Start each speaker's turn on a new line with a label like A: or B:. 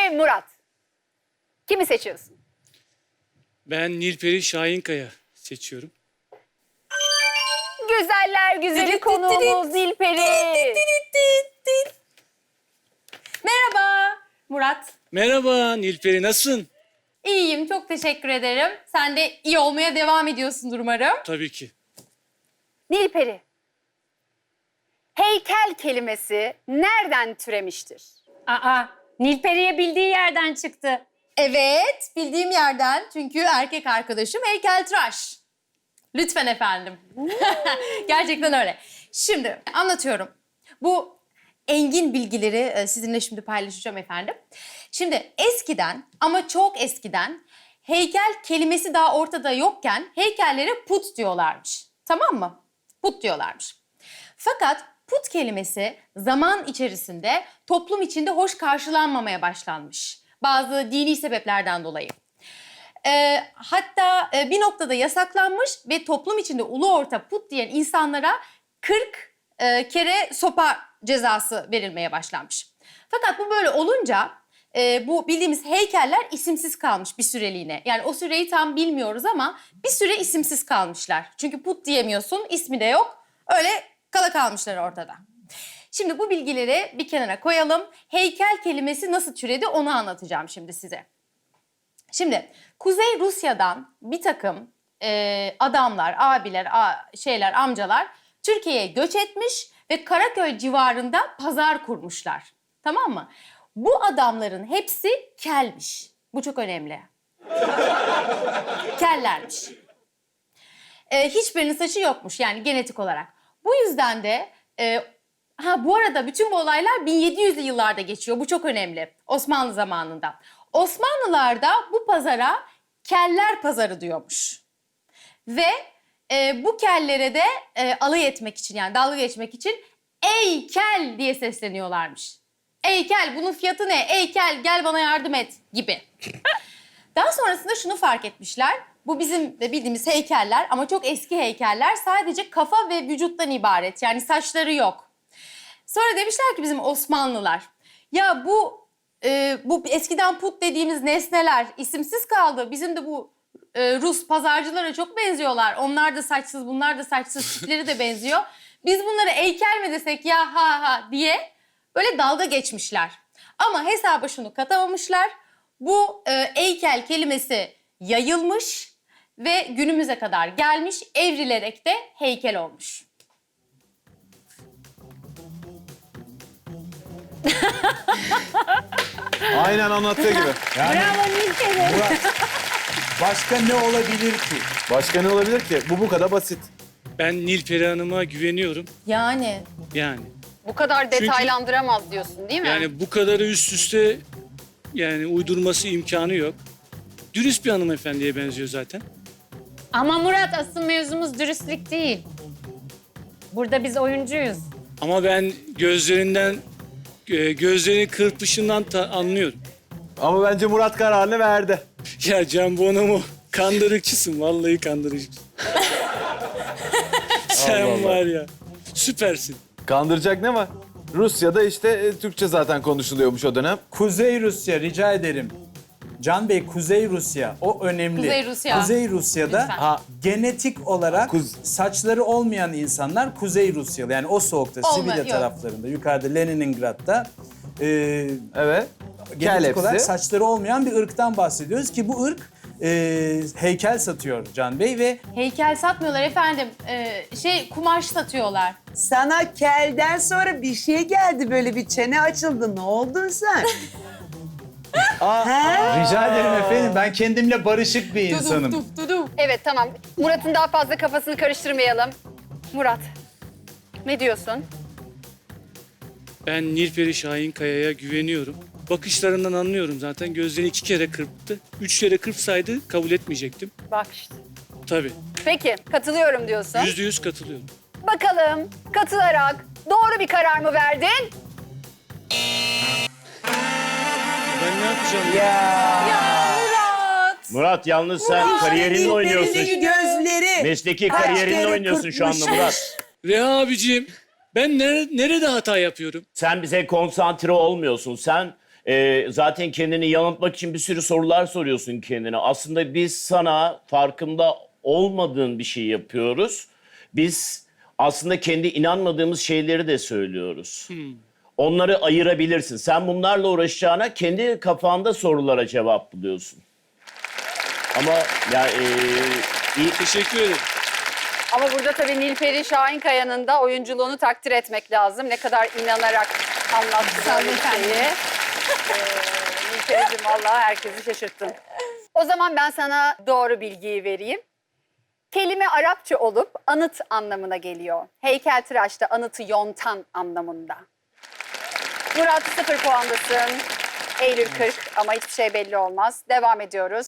A: ve Murat. Kimi seçiyorsun?
B: Ben Nilperi Şahinkaya seçiyorum.
A: Güzeller güzeli konuğumuz Nilperi.
C: Merhaba Murat.
B: Merhaba Nilperi, nasılsın?
C: İyiyim, çok teşekkür ederim. Sen de iyi olmaya devam ediyorsundur umarım.
B: Tabii ki.
A: Nilperi. Heykel kelimesi nereden türemiştir?
D: Aa, Nilperi'ye bildiği yerden çıktı.
C: Evet, bildiğim yerden çünkü erkek arkadaşım heykeltıraş. Lütfen efendim. Gerçekten öyle. Şimdi anlatıyorum. Bu engin bilgileri sizinle şimdi paylaşacağım efendim. Şimdi eskiden ama çok eskiden heykel kelimesi daha ortada yokken heykellere put diyorlarmış. Tamam mı? Put diyorlarmış. Fakat put kelimesi zaman içerisinde toplum içinde hoş karşılanmamaya başlanmış. Bazı dini sebeplerden dolayı. Hatta bir noktada yasaklanmış ve toplum içinde ulu orta put diyen insanlara 40 kere sopa cezası verilmeye başlanmış. Fakat bu böyle olunca bu bildiğimiz heykeller isimsiz kalmış bir süreliğine. Yani o süreyi tam bilmiyoruz ama bir süre isimsiz kalmışlar. Çünkü put diyemiyorsun, ismi de yok. Öyle kala kalmışlar ortada. Şimdi bu bilgileri bir kenara koyalım. Heykel kelimesi nasıl türedi onu anlatacağım şimdi size. Şimdi Kuzey Rusya'dan bir takım adamlar, abiler, amcalar Türkiye'ye göç etmiş ve Karaköy civarında pazar kurmuşlar. Tamam mı? Bu adamların hepsi kelmiş. Bu çok önemli. Kellermiş. Hiçbirinin saçı yokmuş yani genetik olarak. Bu yüzden de bu arada bütün bu olaylar 1700'lü yıllarda geçiyor. Bu çok önemli. Osmanlı zamanında. Osmanlılar da bu pazara keller pazarı diyormuş. Ve bu kellere de alay etmek için yani dalga geçmek için ey kel diye sesleniyorlarmış. Ey kel bunun fiyatı ne? Ey kel gel bana yardım et gibi. Daha sonrasında şunu fark etmişler. Bu bizim de bildiğimiz heykeller ama çok eski heykeller sadece kafa ve vücuttan ibaret. Yani saçları yok. Sonra demişler ki bizim Osmanlılar ya bu eskiden put dediğimiz nesneler isimsiz kaldı. Bizim de bu Rus pazarcılara çok benziyorlar. Onlar da saçsız, bunlar da saçsız, tipleri de benziyor. Biz bunlara heykel mi desek ya ha diye böyle dalga geçmişler. Ama hesaba şunu katamamışlar. Bu heykel kelimesi yayılmış ve günümüze kadar gelmiş, evrilerek de heykel olmuş.
E: Aynen anlattığı gibi.
F: Yani
D: Bravo Nilperi.
F: Murat, başka ne olabilir ki?
E: Başka ne olabilir ki? Bu kadar basit.
B: Ben Nilperi Hanım'a güveniyorum.
C: Yani
B: Yani.
A: Bu kadar detaylandıramaz diyorsun değil mi?
B: Yani bu kadarı üst üste yani uydurması imkanı yok. Dürüst bir hanımefendiye benziyor zaten.
D: Ama Murat asıl mevzumuz dürüstlük değil. Burada biz oyuncuyuz.
B: Ama ben gözlerinin kırpışından anlıyorum.
E: Ama bence Murat kararını verdi.
B: Ya Can Bonomo kandırıkçısın, vallahi kandırıcısın. Sen
E: Allah Allah.
B: var ya, süpersin.
E: Kandıracak ne var? Rusya'da işte Türkçe zaten konuşuluyormuş o dönem.
F: Kuzey Rusya rica ederim. Can Bey, Kuzey Rusya o önemli.
C: Kuzey Rusya.
F: Kuzey Rusya'da
C: Lütfen.
F: genetik olarak saçları olmayan insanlar Kuzey Rusyalı. Yani o soğukta, Sibirya
C: yok.
F: taraflarında, yukarıda Leningrad'da
E: Evet. Kel
F: genetik olarak
E: hepsi.
F: saçları olmayan bir ırktan bahsediyoruz ki bu ırk heykel satıyor Can Bey ve
C: heykel satmıyorlar efendim. Kumaş satıyorlar.
G: Sana kelden sonra bir şey geldi, böyle bir çene açıldı. Ne oldun sen?
F: rica ederim efendim ben kendimle barışık bir insanım.
A: Evet tamam. Murat'ın daha fazla kafasını karıştırmayalım. Murat, ne diyorsun?
B: Ben Nilperi Şahinkaya'ya güveniyorum. Bakışlarından anlıyorum zaten. Gözlerini 2 kere kırptı. 3 kere kırpsaydı kabul etmeyecektim.
A: Bak işte.
B: Tabii.
A: Peki, katılıyorum diyorsun.
B: %100 katılıyorum.
A: Bakalım katılarak doğru bir karar mı verdin?
B: Ben ne yapacağım?
H: Murat yalnız sen kariyerinle oynuyorsun.
G: Gözleri.
H: Mesleki
G: Kaç
H: kariyerinle
G: kere
H: oynuyorsun şu anda
G: kırpmış.
H: Murat.
B: Reha abiciğim, ben nerede hata yapıyorum?
H: Sen bize konsantre olmuyorsun. Sen Zaten kendini yanıltmak için bir sürü sorular soruyorsun kendine. Aslında biz sana farkında olmadığın bir şey yapıyoruz. Biz aslında kendi inanmadığımız şeyleri de söylüyoruz. Onları ayırabilirsin. Sen bunlarla uğraşacağına kendi kafanda sorulara cevap buluyorsun. Ama ya iyi.
B: Teşekkür ederim.
A: Ama burada tabii Nilperi Şahinkaya'nın da oyunculuğunu takdir etmek lazım. Ne kadar inanarak anlattı böyle bir şeyi. Nilperi'cim vallahi herkesi şaşırttın. O zaman ben sana doğru bilgiyi vereyim. Kelime Arapça olup anıt anlamına geliyor. Heykeltıraşta anıtı yontan anlamında. Murat 0 puandasın. Eylül 40 ama hiçbir şey belli olmaz. Devam ediyoruz.